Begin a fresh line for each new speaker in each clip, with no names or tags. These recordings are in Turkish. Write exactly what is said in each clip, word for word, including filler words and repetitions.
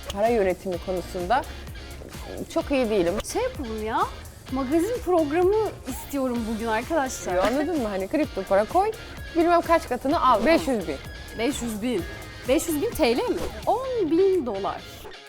para yönetimi konusunda çok iyi değilim.
Şey yapalım ya, magazin programı istiyorum bugün arkadaşlar.
Anladın mı? Hani kripto para koy, bilmem kaç katını al. beş yüz bin.
beş yüz bin. beş yüz bin T L mi? on bin dolar.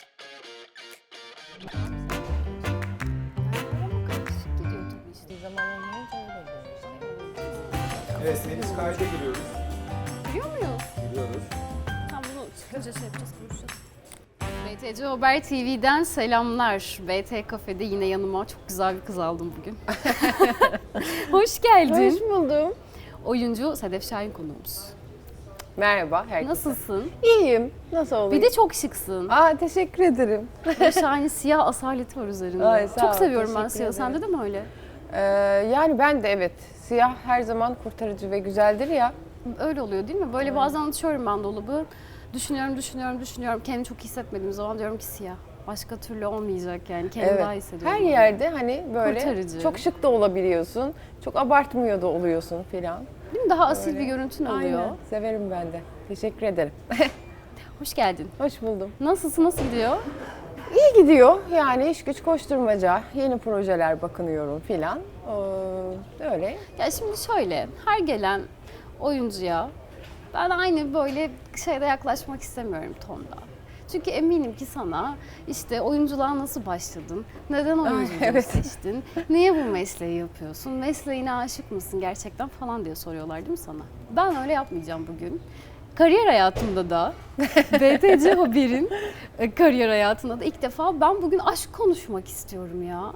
Evet, Melis kayda giriyoruz.
Biliyor muyuz?
Giriyoruz.
Tam bunu çıkınca şey yapacağız, konuşacağız. B T C Haber T V'den selamlar. B T Kafe'de yine yanıma çok güzel bir kız aldım bugün. Hoş geldin.
Hoş buldum.
Oyuncu Sedef Şahin konuğumuz.
Merhaba herkese.
Nasılsın?
İyiyim. Nasıl olayım?
Bir de çok şıksın.
Aa, teşekkür ederim.
Böyle şahane siyah asaleti var üzerinde.
Ay, sağ
çok
ol,
seviyorum ben
teşekkür
siyah.
ederim.
Sende de mi öyle?
Ee, yani ben de evet. Siyah her zaman kurtarıcı ve güzeldir ya.
Öyle oluyor değil mi? Böyle bazen açıyorum ben dolabı. Düşünüyorum, düşünüyorum, düşünüyorum. Kendimi çok hissetmediğim zaman diyorum ki siyah. Başka türlü olmayacak yani. Kendimi
Evet.
daha hissediyorum.
Her yerde hani böyle
Kurtarıcı.
çok şık da olabiliyorsun. Çok abartmıyor da oluyorsun filan.
Değil mi? Daha asil
Öyle.
bir görüntün oluyor.
Aynen. Severim ben de. Teşekkür ederim.
Hoş geldin.
Hoş buldum.
Nasılsın? Nasıl gidiyor?
İyi gidiyor. Yani iş güç koşturmaca, yeni projeler bakınıyorum filan. Ee, öyle.
Ya şimdi şöyle, her gelen oyuncuya ben aynı böyle şeyde yaklaşmak istemiyorum tonda. Çünkü eminim ki sana işte oyunculuğa nasıl başladın, neden oyunculuğu
evet.
seçtin, niye bu mesleği yapıyorsun, mesleğine aşık mısın gerçekten falan diye soruyorlar değil mi sana? Ben öyle yapmayacağım bugün. Kariyer hayatımda da, B T C Haber'in e, kariyer hayatında da ilk defa ben bugün aşk konuşmak istiyorum ya.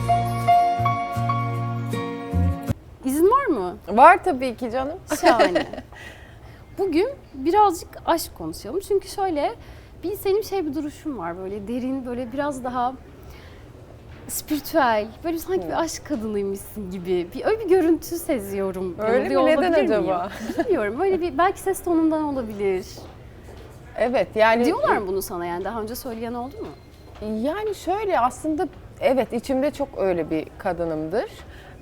İzin var mı?
Var tabii ki canım.
Şahane. Bugün birazcık aşk konuşalım. Çünkü şöyle bir senin şey bir duruşun var böyle derin böyle biraz daha spiritüel böyle sanki bir aşk kadınıymışsın gibi bir öyle bir görüntü seziyorum.
Öyle mi?
Yanılıyor
Neden
olabilir
acaba?
miyim? Bilmiyorum. Öyle bir belki ses tonundan olabilir.
Evet yani.
Diyorlar mı bunu sana yani daha önce söyleyen oldu mu?
Yani şöyle aslında evet içimde çok öyle bir kadınımdır.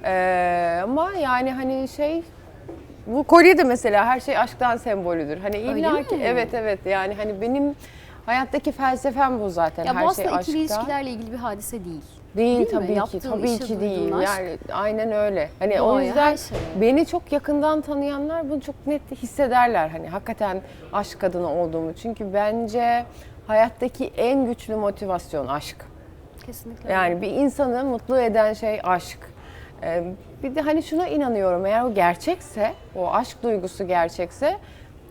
Ee, ama yani hani şey bu Kore'de mesela her şey aşktan sembolüdür. Hani
Öyle
illa ki
mi?
evet evet yani hani benim hayattaki felsefem bu zaten.
Ya
her
bu
şey
aslında
aşkta.
ikili ilişkilerle ilgili bir hadise değil.
Değil,
Değil mi?
tabii ki,
Yaptığın
tabii
işe
ki değil.
duyduğun aşk.
Yani aynen öyle. Hani o
Doğaya,
yüzden
her şeye.
beni çok yakından tanıyanlar bunu çok net hissederler. Hani hakikaten aşk kadını olduğumu. Çünkü bence hayattaki en güçlü motivasyon aşk.
Kesinlikle.
Yani bir insanı mutlu eden şey aşk. Ee, bir de hani şuna inanıyorum, eğer o gerçekse, o aşk duygusu gerçekse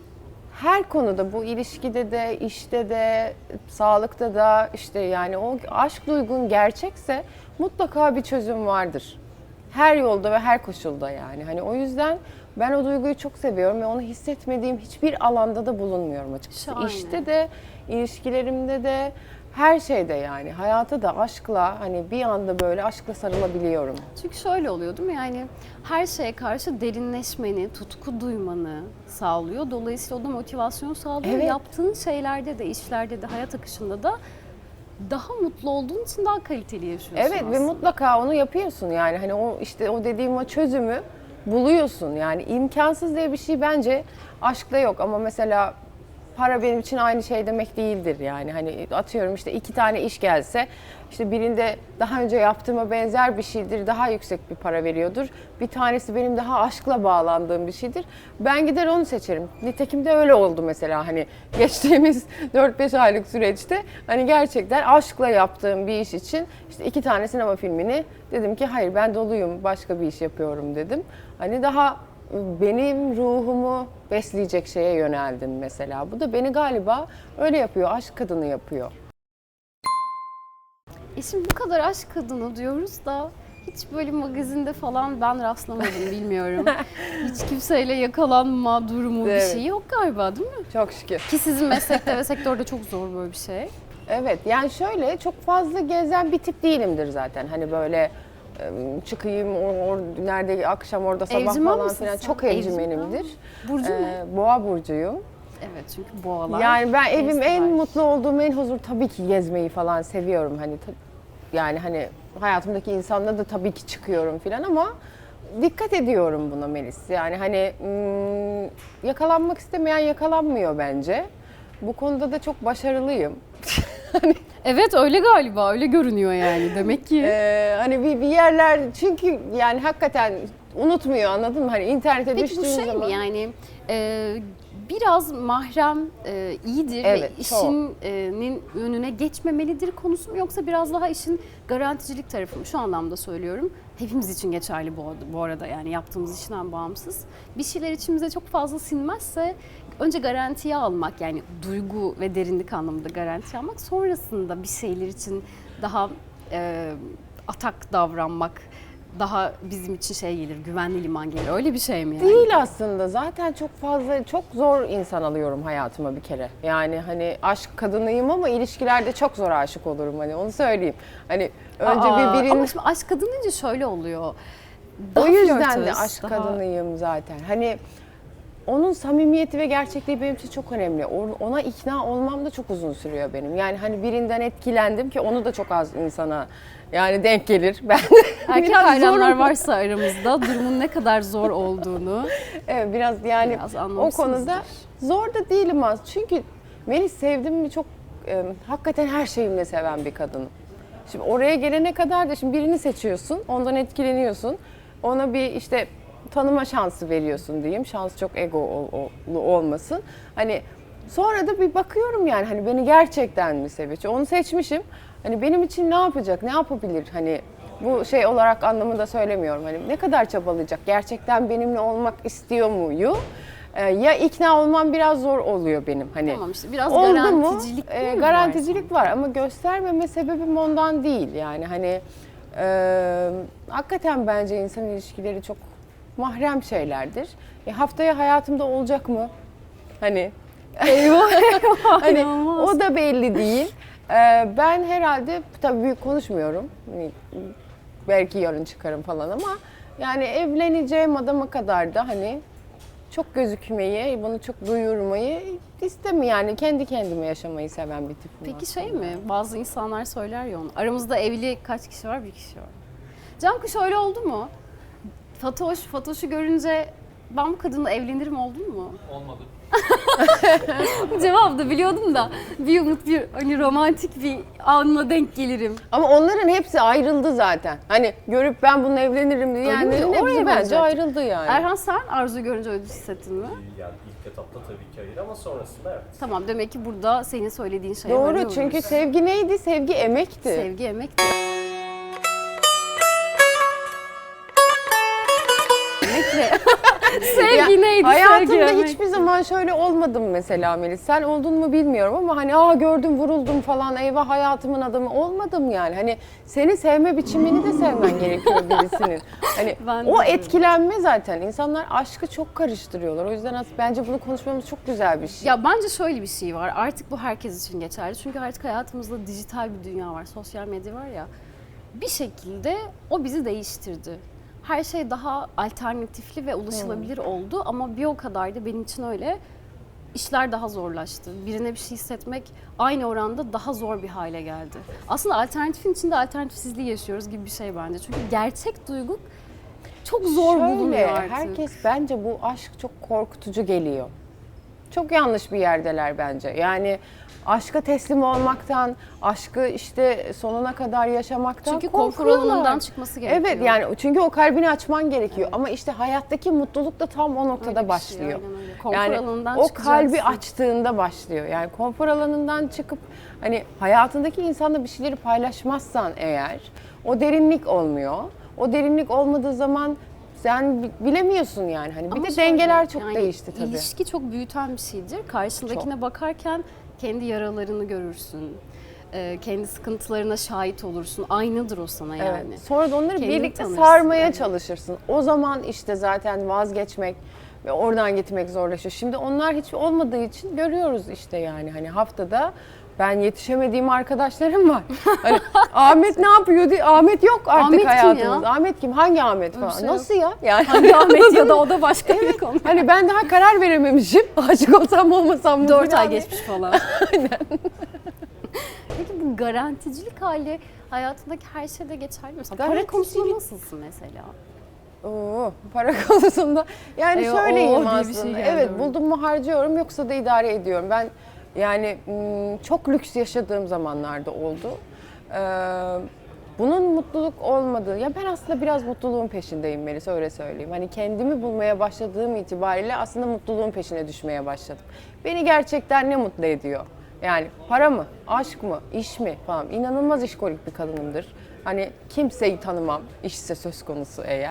her konuda, bu ilişkide de, işte de, sağlıkta da, işte yani o aşk duygun gerçekse mutlaka bir çözüm vardır. Her yolda ve her koşulda yani. Hani o yüzden ben o duyguyu çok seviyorum ve onu hissetmediğim hiçbir alanda da bulunmuyorum açıkçası.
Şahane.
İşte de, ilişkilerimde de, her şeyde yani. Hayata da aşkla, hani bir anda böyle aşkla sarılabiliyorum.
Çünkü şöyle oluyor değil mi? Yani her şeye karşı derinleşmeni, tutku duymanı sağlıyor. Dolayısıyla o da motivasyon sağlıyor.
Evet.
Yaptığın şeylerde de, işlerde de, hayat akışında da daha mutlu olduğun için daha kaliteli yaşıyorsun
Evet
aslında.
ve mutlaka onu yapıyorsun yani. Hani o işte o dediğim o çözümü buluyorsun. Yani imkansız diye bir şey bence aşkta yok ama mesela para benim için aynı şey demek değildir yani. Hani atıyorum işte iki tane iş gelse işte birinde daha önce yaptığıma benzer bir şeydir, daha yüksek bir para veriyordur. Bir tanesi benim daha aşkla bağlandığım bir şeydir. Ben gider onu seçerim. Nitekim de öyle oldu mesela hani geçtiğimiz dört beş aylık süreçte hani gerçekten aşkla yaptığım bir iş için işte iki tane sinema filmini dedim ki hayır ben doluyum, başka bir iş yapıyorum dedim. Hani daha benim ruhumu besleyecek şeye yöneldim mesela. Bu da beni galiba öyle yapıyor, aşk kadını yapıyor.
E şimdi bu kadar aşk kadını diyoruz da hiç böyle magazinde falan ben rastlamadım bilmiyorum. Hiç kimseyle yakalanma durumu bir
Evet.
şey yok galiba değil mi?
Çok şükür.
Ki sizin meslekte ve sektörde çok zor böyle bir şey.
Evet, yani şöyle çok fazla gezen bir tip değilimdir zaten. Hani böyle e, çıkayım, or, or, nerede akşam orada sabah
Evcimen
falan
misin
filan.
sen?
Çok
Evcimen.
evcimenimdir.
Burcu ne?
Ee, Boğa burcuyum.
Evet çünkü boğalar.
Yani ben evim
festival.
en mutlu olduğum, en huzur tabii ki gezmeyi falan seviyorum. Hani tab- yani hani hayatımdaki insanla da tabii ki çıkıyorum falan ama dikkat ediyorum buna Melis. Yani hani hmm, yakalanmak istemeyen yakalanmıyor bence. Bu konuda da çok başarılıyım.
Evet öyle galiba, öyle görünüyor yani demek ki.
Ee, hani bir, bir yerler çünkü yani hakikaten unutmuyor, anladın mı? Hani internete
Peki bu
düştüğün
şey
zaman.
mi yani e, biraz mahrem e, iyidir
Evet,
ve
çok.
işinin önüne geçmemelidir konusu mu, yoksa biraz daha işin garanticilik tarafı mı? Şu anlamda söylüyorum. Hepimiz için geçerli bu, bu arada, yani yaptığımız işten bağımsız. Bir şeyler içimize çok fazla sinmezse önce garantiye almak, yani duygu ve derinlik anlamında garanti almak, sonrasında bir şeyler için daha e, atak davranmak daha bizim için şey gelir, güvenli liman gelir. Öyle bir şey mi yani?
Değil aslında. Zaten çok fazla, çok zor insan alıyorum hayatıma bir kere. Yani hani aşk kadınıyım ama ilişkilerde çok zor aşık olurum, hani onu söyleyeyim. Hani önce
Aa,
bir birinin...
Ama şimdi aşk kadın deyince şöyle oluyor.
O
Daha
yüzden de
flörtöz,
aşk
daha-
kadınıyım zaten. Hani onun samimiyeti ve gerçekliği benim için çok önemli. O- Ona ikna olmam da çok uzun sürüyor benim. Yani hani birinden etkilendim ki onu da çok az insana yani denk gelir. Ben
Erkek
biraz
hayranlar
zorum.
varsa aramızda durumun ne kadar zor olduğunu
Evet, biraz yani
biraz
o
anlamışsınızdır.
konuda zor da değilim az. Çünkü Melis sevdim mi çok e, hakikaten her şeyimle seven bir kadınım. Şimdi oraya gelene kadar da şimdi birini seçiyorsun, ondan etkileniyorsun. Ona bir işte tanıma şansı veriyorsun diyeyim. Şans çok egolu olmasın. Hani sonra da bir bakıyorum yani hani beni gerçekten mi seviyor? Çünkü onu seçmişim. Hani benim için ne yapacak, ne yapabilir? Hani bu şey olarak anlamında söylemiyorum. Hani ne kadar çabalayacak? Gerçekten benimle olmak istiyor muyu? Ee, ya ikna olmam biraz zor oluyor benim. Hani
Tamam işte biraz
oldu
garanticilik
mu?
değil
Ee,
mi
garanticilik var ama göstermeme sebebim ondan değil. Yani hani e, hakikaten bence insan ilişkileri çok mahrem şeylerdir. E, haftaya hayatımda olacak mı? Hani
Eyvah eyvah,
hani
inanılmaz.
o da belli değil. Ee, ben herhalde tabii büyük konuşmuyorum. Hani, belki yarın çıkarım falan ama yani evleneceğim adama kadar da hani çok gözükmeyi, bunu çok duyurmayı istemiyorum. Yani kendi kendime yaşamayı seven bir tipim.
Peki şey
aslında.
mi? Bazı insanlar söyler ya onu. Aramızda evli kaç kişi var? Bir kişi var. Cankuş öyle oldu mu? Fatoş, Fatoş'u görünce ben bu kadınla evlenirim oldun mu?
Olmadı.
Cevap da biliyordum da bir umut, bir hani romantik bir anla denk gelirim.
Ama onların hepsi ayrıldı zaten. Hani görüp ben bununla evlenirim diyenlerin
mi? Oraya
hepsi bence
benzettim.
ayrıldı yani.
Erhan, sen Arzu görünce öyle hissettin mi?
Yani ilk etapta tabii ki hayır ama sonrasında evet.
Tamam, demek ki burada senin söylediğin şeye
Doğru,
varıyoruz.
çünkü sevgi neydi? Sevgi emekti.
Sevgi emekti. Emekle. Sevgi
Ya,
neydi?
hayatımda
Sevgi emekti.
hiçbir zaman şöyle olmadım mesela Melis. Sen oldun mu bilmiyorum ama hani aa gördüm vuruldum falan, eyvah hayatımın adamı olmadım yani. Hani seni sevme biçimini de sevmen gerekiyor birisinin. Hani
Ben de
o
öyle.
etkilenme zaten. İnsanlar aşkı çok karıştırıyorlar. O yüzden as- bence bunu konuşmamız çok güzel bir şey.
Ya bence şöyle bir şey var. Artık bu herkes için geçerli. Çünkü artık hayatımızda dijital bir dünya var. Sosyal medya var ya. Bir şekilde o bizi değiştirdi. Her şey daha alternatifli ve ulaşılabilir oldu ama bir o kadar da benim için öyle. İşler daha zorlaştı. Birine bir şey hissetmek aynı oranda daha zor bir hale geldi. Aslında alternatifin içinde alternatifsizliği yaşıyoruz gibi bir şey bence. Çünkü gerçek duygu çok zor
Şöyle,
bulunuyor artık.
herkes bence bu aşk çok korkutucu geliyor. Çok yanlış bir yerdeler bence. Yani aşka teslim olmaktan, aşkı işte sonuna kadar yaşamaktan
Çünkü konfor
korkuyorlar.
alanından çıkması gerekiyor.
Evet, yani çünkü o kalbini açman gerekiyor. Ama işte hayattaki mutluluk da tam o noktada
Öyle bir şey,
başlıyor.
aynen öyle. Konfor
Yani
alanından
o
çıkacaksın.
kalbi açtığında başlıyor. Yani konfor alanından çıkıp hani hayatındaki insanla bir şeyleri paylaşmazsan eğer o derinlik olmuyor. O derinlik olmadığı zaman sen bi- bilemiyorsun yani. Hani bir
Ama
de
şöyle,
dengeler çok
yani
değişti tabii.
İlişki çok büyüten bir şeydir. Karşındakine bakarken kendi yaralarını görürsün. Ee, kendi sıkıntılarına şahit olursun. Aynıdır o sana yani.
Evet. Sonra da onları
Kendini
birlikte
tanırsın,
sarmaya
evet.
çalışırsın. O zaman işte zaten vazgeçmek ve oradan gitmek zorlaşıyor. Şimdi onlar hiç olmadığı için görüyoruz işte yani hani haftada ben yetişemediğim arkadaşlarım var. Hani Ahmet ne yapıyor diye. Ahmet yok artık
Ahmet kim ya?
hayatımızda. Ahmet kim? Hangi Ahmet
Öyle bir
falan?
şey yok.
Nasıl ya? Yani
Hangi Ahmet ya da o da başka bir konu.
hani ben daha karar verememişim. Aşık olsam mı olmasam mı?
Dört
falan
ay
diye.
geçmiş falan. Peki bu garanticilik hali hayatındaki her şeyde geçerli mi? Mesela para
Garanticilik-
konusunda nasılsın mesela?
Oo, para konusunda yani
Eyvah,
şöyleyim
oo diye bir
aslında.
şey geldi
evet
orada.
buldum mu harcıyorum yoksa da idare ediyorum. Ben Yani m, çok lüks yaşadığım zamanlarda oldu. Ee, bunun mutluluk olmadığı, ya ben aslında biraz mutluluğun peşindeyim Melis, öyle söyleyeyim. Hani kendimi bulmaya başladığım itibariyle aslında mutluluğun peşine düşmeye başladım. Beni gerçekten ne mutlu ediyor? Yani para mı, aşk mı, iş mi falan. İnanılmaz işkolik bir kadınımdır. Hani kimseyi tanımam, işse söz konusu eğer.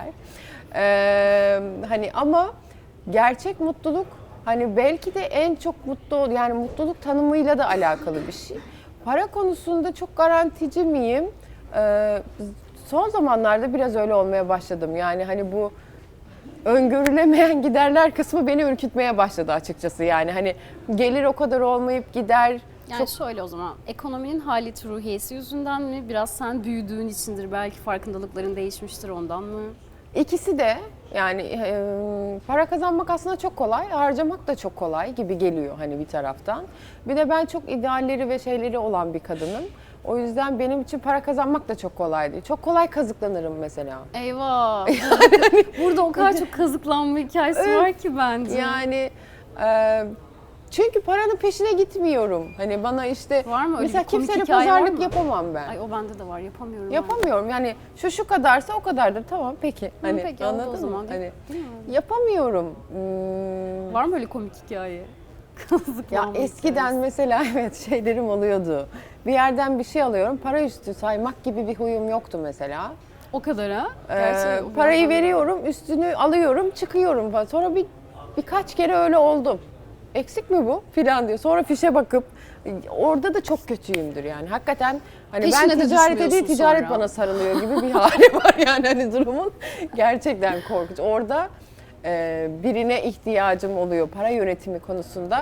Ee, hani ama gerçek mutluluk, hani belki de en çok mutlu ol, yani mutluluk tanımıyla da alakalı bir şey. Para konusunda çok garantici miyim? Ee, son zamanlarda biraz öyle olmaya başladım. Yani hani bu öngörülemeyen giderler kısmı beni ürkütmeye başladı açıkçası. Yani hani gelir o kadar olmayıp gider.
Yani
Çok
şöyle o zaman, ekonominin haleti ruhiyesi yüzünden mi? Biraz sen büyüdüğün içindir, belki farkındalıkların değişmiştir ondan mı?
İkisi de, yani e, para kazanmak aslında çok kolay, harcamak da çok kolay gibi geliyor hani bir taraftan. Bir de ben çok idealleri ve şeyleri olan bir kadınım. O yüzden benim için para kazanmak da çok kolay değil. Çok kolay kazıklanırım mesela.
Eyvah! Burada o kadar çok kazıklanma hikayesi var ki bence.
Yani e, çünkü paranın peşine gitmiyorum. Hani bana işte
Var mı öyle
mesela
bir komik
kimseyle
hikaye var
pazarlık
mı?
yapamam ben.
Ay o bende de var, yapamıyorum.
Yapamıyorum. Yani şu şu kadarsa o kadardır. Tamam peki.
ben.
Hani
Hı, peki oldu
anladın
o
mı?
zaman.
Hani
Değil mi?
yapamıyorum. Hmm.
Var mı öyle komik hikaye?
Ya
Kazıklanma
eskiden
hikayesi.
mesela evet şeylerim oluyordu. Bir yerden bir şey alıyorum, para üstü saymak gibi bir huyum yoktu mesela.
O kadar ha?
Ee,
Gerçi o
parayı
biraz daha-
veriyorum, üstünü alıyorum, çıkıyorum falan. Sonra bir birkaç kere öyle oldum. Eksik mi bu filan diyor. Sonra fişe bakıp orada da çok kötüyümdür yani. Hakikaten hani
Peşine
ben
de
ticarete değil
düşmüyorsun
ticaret
sonra.
bana sarılıyor gibi bir hali var yani hani durumun gerçekten korkunç. Orada e, birine ihtiyacım oluyor para yönetimi konusunda.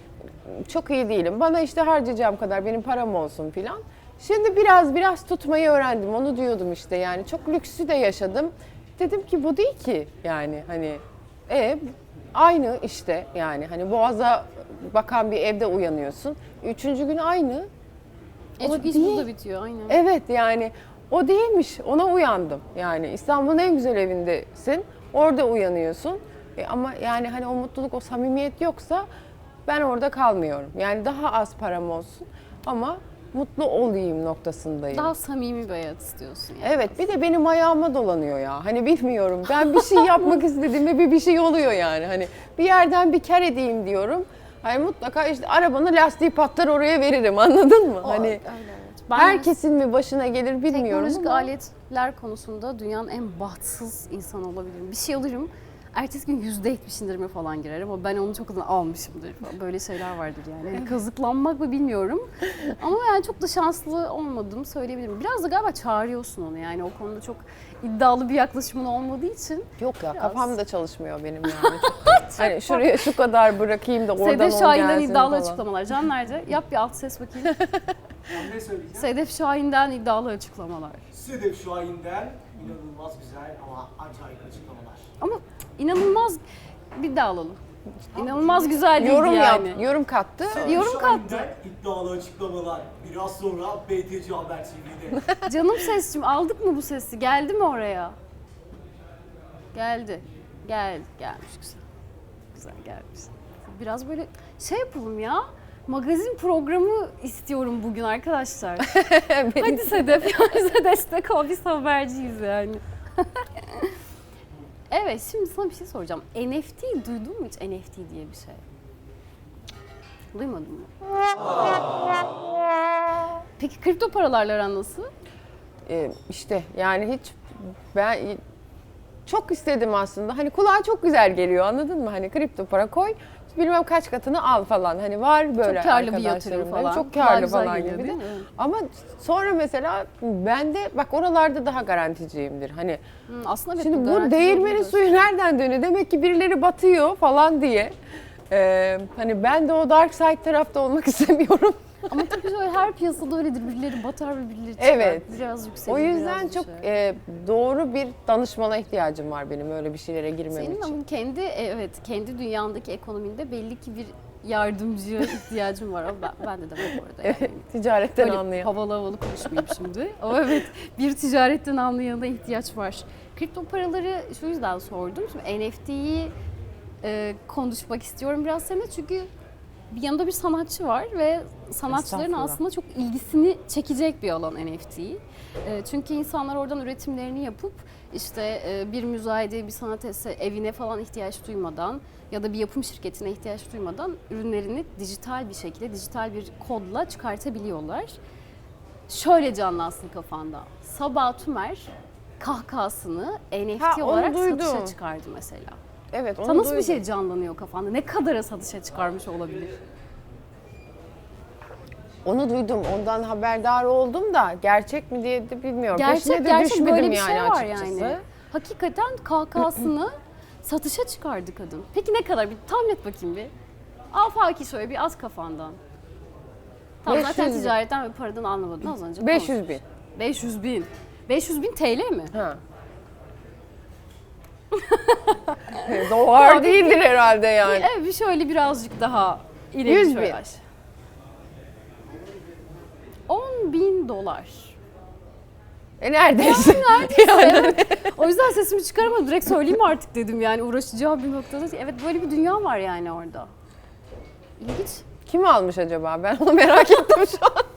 Çok iyi değilim. Bana işte harcayacağım kadar benim param olsun filan. Şimdi biraz biraz tutmayı öğrendim. Onu diyordum işte yani. Çok lüksü de yaşadım. Dedim ki bu değil ki yani hani e aynı işte yani hani boğaza bakan bir evde uyanıyorsun. Üçüncü gün aynı.
E
o
çünkü iş
değil.
burada bitiyor aynen.
Evet yani o değilmiş. Ona uyandım. Yani İstanbul'un en güzel evindesin. Orada uyanıyorsun. E ama yani hani o mutluluk, o samimiyet yoksa ben orada kalmıyorum. Yani daha az param olsun ama mutlu olayım noktasındayım.
Daha samimi bir hayat istiyorsun yani.
Evet, bir de benim ayağıma dolanıyor ya. Hani bilmiyorum. Ben bir şey yapmak istediğimde bir bir şey oluyor yani. Hani bir yerden bir kar edeyim diyorum. Hani mutlaka işte arabanın lastiği patlar oraya veririm. Anladın mı?
O-
Hani
öyle evet. Ben
herkesin mi başına gelir bilmiyorum
teknolojik
ama
aletler konusunda dünyanın en bahtsız insanı olabilirim. Bir şey alırım, ertesi gün yüzde yetmiş indirime falan girer ama ben onu çok azından almışımdır falan. Böyle şeyler vardır yani. yani kazıklanmak mı bilmiyorum. Ama yani çok da şanslı olmadım söyleyebilirim. Biraz da galiba çağırıyorsun onu yani o konuda çok iddialı bir yaklaşımın olmadığı için.
yok ya
Biraz.
kafam da çalışmıyor benim yani. Hani şuraya şu kadar bırakayım da oradan
Sedef
on
Şahin'den
gelsin
iddialı
falan.
açıklamalar. Can nerede? Yap bir alt ses bakayım.
Ben ne söyleyeceğim?
Sedef Şahin'den iddialı açıklamalar.
Sedef Şahin'den inanılmaz güzel ama acayip açıklamalar.
Ama inanılmaz bir daha alalım. İnanılmaz güzel değildi
Yorum
yani.
yap, yorum kattı.
Sedef
Yorum
Şahin'den
kattı.
iddialı açıklamalar. Biraz sonra B T C Haber T V'de.
Canım sesçim aldık mı bu sesi? Geldi mi oraya? Geldi. Gel, gelmiş güzel. Güzel gelmiş. Biraz böyle şey yapalım ya. Magazin programı istiyorum bugün arkadaşlar. Hadi Sedef, yani bize destek ol. Biz haberciyiz yani. Evet, şimdi sana bir şey soracağım. N F T duydun mu hiç N F T diye bir şey? Duymadın mı? Peki kripto paralarla aran nasıl?
Ee, işte yani hiç ben çok istedim aslında. Hani kulağa çok güzel geliyor anladın mı? Hani kripto para koy bilmem kaç katını al falan. Hani var böyle
Çok karlı bir yatırım
arkadaşlarım.
falan.
Çok
Kulağa
karlı
güzel
falan
geliyor,
gibi de.
değil mi? Evet.
Ama sonra mesela ben de bak oralarda daha garanticiyimdir. Hani
Hmm, aslında evet,
şimdi bu
garanti
değirmenin
olabilir.
suyu nereden dönüyor? Demek ki birileri batıyor falan diye. Ee, hani ben de o dark side tarafta olmak istemiyorum.
Ama tabii şöyle her piyasada öyledir. Birileri batar ve birileri çıkar.
Evet.
Biraz yükselir,
O yüzden
biraz
çok
düşer.
e, doğru bir danışmana ihtiyacım var benim öyle bir şeylere girmem
Senin
için.
ama kendi evet kendi dünyandaki ekonominde belli ki bir yardımcıya ihtiyacım var. Ama ben, bende de var bu arada. Yani.
Evet, ticaretten
Böyle
anlayan.
havalı havalı konuşmayayım şimdi. Ama evet bir ticaretten anlayana ihtiyaç var. Kripto paraları şu yüzden sordum. Şimdi N F T'yi e, konuşmak istiyorum biraz seninle çünkü bir yanında bir sanatçı var ve sanatçıların
Estağfurullah.
aslında çok ilgisini çekecek bir alan N F T. E, Çünkü insanlar oradan üretimlerini yapıp işte e, bir müzayede, bir sanat eseri evine falan ihtiyaç duymadan ya da bir yapım şirketine ihtiyaç duymadan ürünlerini dijital bir şekilde, dijital bir kodla çıkartabiliyorlar. Şöyle canlansın kafanda. Sabah Tümer kahkahasını N F T
Ha, onu
olarak
duydum.
satışa çıkardı mesela.
Evet, onu
Sana nasıl bir
duydum.
şey canlanıyor kafanda? Ne kadara satışa çıkarmış olabilir?
Onu duydum, ondan haberdar oldum da gerçek mi diye de bilmiyorum.
Gerçek
Peşine de
gerçek
düşmedim
böyle bir
yani
şey var
açıkçası.
yani. Hakikaten kahkahasını satışa çıkardı kadın. Peki ne kadar? Bir tahmin et bakayım bir. Afaki şöyle bir az kafandan. Tamam zaten
beş yüz bin.
ticaretten ve paradan anlamadın az önce.
beş yüz bin.
beş yüz bin. beş yüz bin T L mi?
Ha. Dolar değildir herhalde yani.
Evet bir şöyle birazcık daha ileri
yüz
şöyle
bin.
aşağı. on bin dolar.
E neredeyse.
Evet. O yüzden sesimi çıkaramadım. Direkt söyleyeyim mi artık dedim yani uğraşacağım bir noktada. Evet böyle bir dünya var yani orada. İlginç.
Kim almış acaba? Ben onu merak ettim şu an.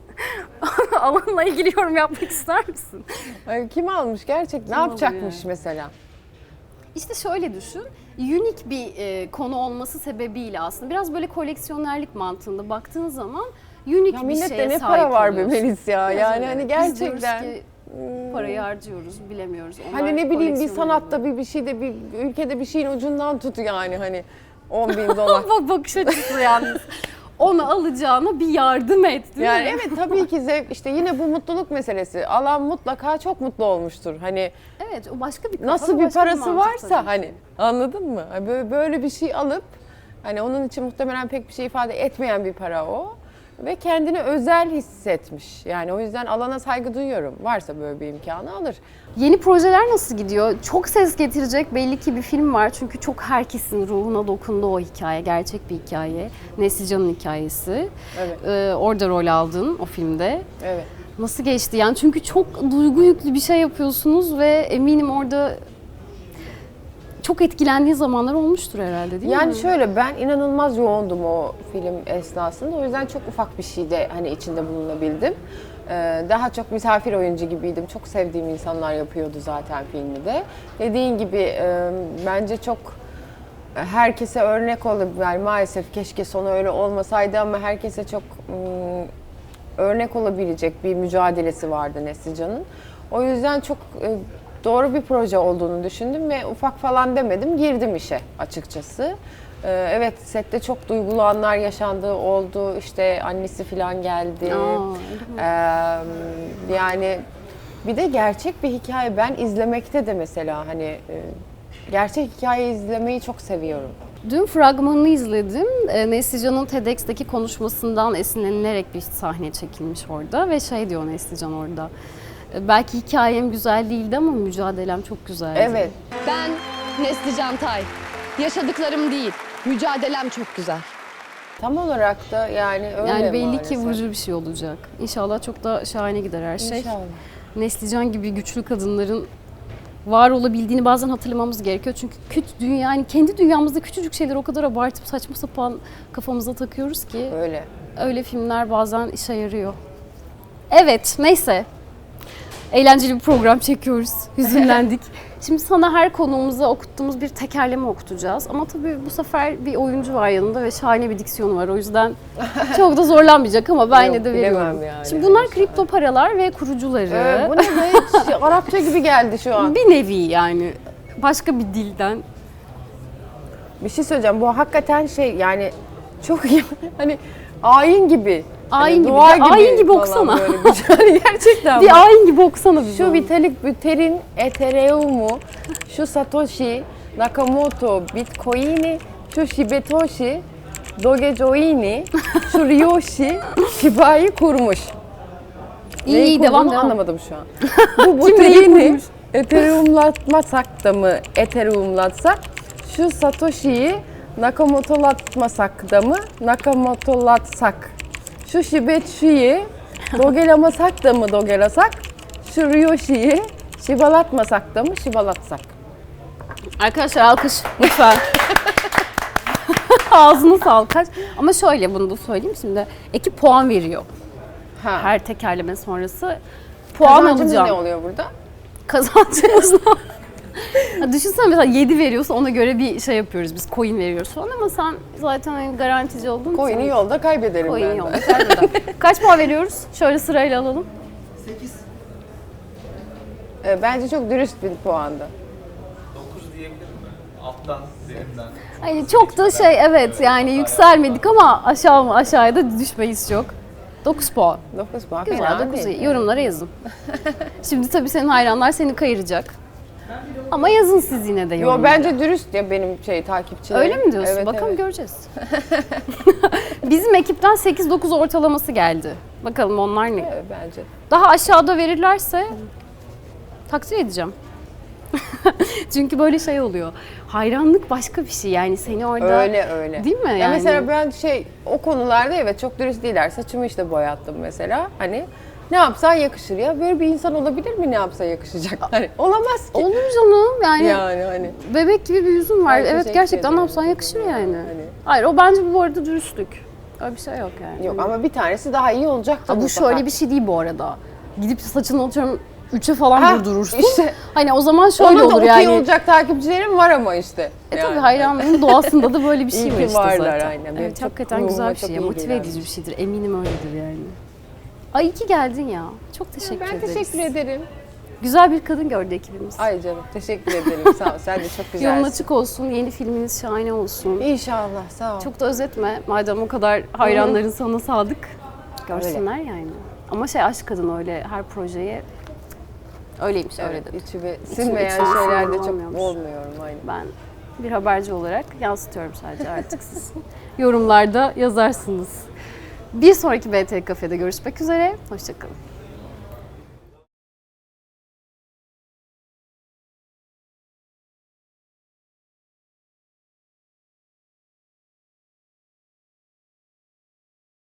Alanla ilgili yorum yapmak ister misin?
Ay, kim almış gerçek? Ne
Kim
yapacakmış
alıyor?
mesela?
İşte şöyle düşün. Unik bir e, konu olması sebebiyle aslında biraz böyle koleksiyonerlik mantığında baktığın zaman unik
Ya
bir
millette
şeye
ne
sahip
para var be
oluyorsun.
Melis ya.
Biraz
Yani
öyle.
hani
Biz
gerçekten.
diyoruz ki parayı harcıyoruz, bilemiyoruz. Onlar
Hani ne bileyim bir
koleksiyoner
sanatta bir bir şeyde bir ülkede bir şeyin ucundan tut yani hani on bin dolar.
Bak bakış açısı yalnız. Onu alacağına bir yardım et değil
Yani
mi?
evet tabii ki zevk işte yine bu mutluluk meselesi. Alan mutlaka çok mutlu olmuştur. Hani
Evet o başka bir kafa
nasıl
ve
bir
başka
parası
mantık
varsa
tabii.
hani anladın mı? Hani böyle, böyle bir şey alıp hani onun için muhtemelen pek bir şey ifade etmeyen bir para o. Ve kendini özel hissetmiş. Yani o yüzden alana saygı duyuyorum. Varsa böyle bir imkanı alır.
Yeni projeler nasıl gidiyor? Çok ses getirecek belli ki bir film var. Çünkü çok herkesin ruhuna dokundu o hikaye. Gerçek bir hikaye. Neslican'ın hikayesi.
Evet.
Ee, orada rol aldın o filmde.
Evet.
Nasıl geçti? Yani çünkü çok duygu yüklü bir şey yapıyorsunuz ve eminim orada çok etkilendiği zamanlar olmuştur herhalde değil mi?
Yani şöyle ben inanılmaz yoğundum o film esnasında. O yüzden çok ufak bir şeyde hani içinde bulunabildim. Ee, daha çok misafir oyuncu gibiydim. Çok sevdiğim insanlar yapıyordu zaten filmi de. Dediğin gibi e, bence çok herkese örnek olup yani maalesef keşke sonu öyle olmasaydı ama herkese çok ım, örnek olabilecek bir mücadelesi vardı Neslican'ın. O yüzden çok e, doğru bir proje olduğunu düşündüm ve ufak falan demedim, girdim işe açıkçası. Ee, evet sette çok duygulu anlar yaşandığı oldu. İşte annesi falan geldi.
Aa, öyle mi?
Ee, yani bir de gerçek bir hikaye ben izlemekte de mesela hani e, gerçek hikaye izlemeyi çok seviyorum.
Dün fragmanını izledim. Ee, Neslican'ın TEDx'teki konuşmasından esinlenilerek bir sahne çekilmiş orada ve şey diyor Neslican orada. "E, Belki hikayem güzel değildi ama mücadelem çok güzeldi."
Evet.
Ben Neslican Tay. Yaşadıklarım değil, mücadelem çok güzel.
Tam olarak da yani öyle
Yani belli
maalesef.
ki vurucu bir şey olacak. İnşallah çok da şahane gider her şey.
İnşallah.
Neslican gibi güçlü kadınların var olabildiğini bazen hatırlamamız gerekiyor. Çünkü küt dünya, yani kendi dünyamızda küçücük şeyleri o kadar abartıp saçma sapan kafamıza takıyoruz ki
Öyle.
öyle filmler bazen işe yarıyor. Evet, neyse. Eğlenceli bir program çekiyoruz. Hüzünlendik. Şimdi sana her konuğumuza okuttuğumuz bir tekerleme okutacağız. Ama tabii bu sefer bir oyuncu var yanında ve şahane bir diksiyonu var. O yüzden çok da zorlanmayacak ama ben
Yok,
yine de
bilemem
veriyorum.
yani.
Şimdi bunlar kripto paralar ve kurucuları.
Ee, bu ne be? Hiç Arapça gibi geldi şu an.
Bir nevi yani. Başka bir dilden.
Bir şey söyleyeceğim. Bu hakikaten şey yani çok iyi. Hani ayin gibi.
Ayin
Hani
gibi.
dua
Bir ayin gibi
falan
okusana.
böyle bir şey. Hani gerçekten.
Bir
bak.
ayin gibi okusana bize.
Şu
onu.
Vitalik Buterin'in Ethereum'u, şu Satoshi Nakamoto Bitcoin'i, şu Shibetoshi Dogecoin'i, şu Ryoshi Shiba'yı kurmuş.
İyi,
Neyi
iyi,
kurduğunu
devam, devam.
anlamadım şu an. Bu Buterin'i Ethereum'latmasak da mı Ethereum'latsak, şu Satoshi'yi Nakamoto'latmasak da mı Nakamoto'latsak, şu Shibetsu'yu Dogelamasak da mı dogelasak, şu Ryoshi'yi Shibalatmasak da mı Shibalatsak.
Arkadaşlar alkış lütfen. Ağzına sağlık. Kaç? Ama şöyle bunu da söyleyeyim şimdi. Ekip puan veriyor.
Ha.
Her tekerleme sonrası puan
Kazancımız
alacağım.
ne oluyor burada?
Kazancımız ne? Ha, düşünsene mesela yedi veriyorsa ona göre bir şey yapıyoruz biz. Coin veriyoruz falan ama sen zaten hani garantici olduğun için.
Coin'i yolda kaybederim
Coin
ben de.
yolda kaybeder. Kaç puan veriyoruz? Şöyle sırayla alalım.
sekiz.
Ee, bence çok dürüst bir puandı.
dokuz diyebilir mi? Alttan, zerimden.
Hani çok da şey evet yani yükselmedik ama aşağı mı aşağıya da düşmeyiz çok. dokuz puan.
dokuz puan
Güzel
fena
dokuz
değil.
iyi. Yorumlara yazın. Şimdi tabii senin hayranlar seni kayıracak. Ama yazın siz yine de
Yo
yorumlara.
bence dürüst ya benim şey takipçilerim.
Öyle mi diyorsun?
Evet,
Bakalım
evet.
göreceğiz. Bizim ekipten sekiz dokuz ortalaması geldi. Bakalım onlar ne?
Evet, bence.
Daha aşağıda verirlerse takdir edeceğim. Çünkü böyle şey oluyor. Hayranlık başka bir şey yani seni orada...
Öyle öyle.
Değil mi
Ya
yani?
mesela ben şey o konularda evet çok dürüst değiller. Saçımı işte boyattım mesela. Hani ne yapsan yakışır ya. Böyle bir insan olabilir mi ne yapsa yakışacak? Hani olamaz ki.
Olur canım yani,
Yani hani.
bebek gibi bir yüzün var.
Ay,
Evet
teşekkür
gerçekten ne
ederim.
yapsan yakışır yani.
Hani.
Hayır o bence bu arada dürüstlük. Öyle bir şey yok yani.
Yok ama bir tanesi daha iyi olacak da
Ha, bu
mutlaka.
şöyle bir şey değil bu arada. Gidip saçını atıyorum üçe falan
Ha,
vurdurursun.
işte.
Hani o zaman şöyle
Onun da
olur
okey
yani.
olacak takipçilerim var ama işte.
E
Yani.
tabii hayranlığın doğasında da böyle bir şey
İyi
var
ki
işte
varlar,
zaten.
aynen. Benim
Evet
çok
hakikaten
ruhuma
güzel bir
çok
şey.
iyi
Motive
gelen
edici
bir
bir şeydir. Eminim öyledir yani. Ay iyi ki geldin ya. Çok teşekkür
Ben
ederiz.
teşekkür ederim.
Güzel bir kadın gördü ekibimiz.
Ay canım teşekkür ederim. Sağ ol. Sen de çok güzelsin.
Yolun açık olsun. Yeni filminiz şahane olsun.
İnşallah sağ ol.
Çok da özetme. Madem o kadar hayranların sana sadık. Görsünler yani. Ama şey aşk kadın öyle her projeye öyleymiş öyle
Evet,
dedi.
içime
İçime-
sinmeyen
içime
şeylerde
sinmeyen
çok
olmuyormuş.
olmuyorum. Aynen.
Ben bir haberci olarak yansıtıyorum sadece artık siz. Yorumlarda yazarsınız. Bir sonraki B T Kafe'de görüşmek üzere. Hoşçakalın.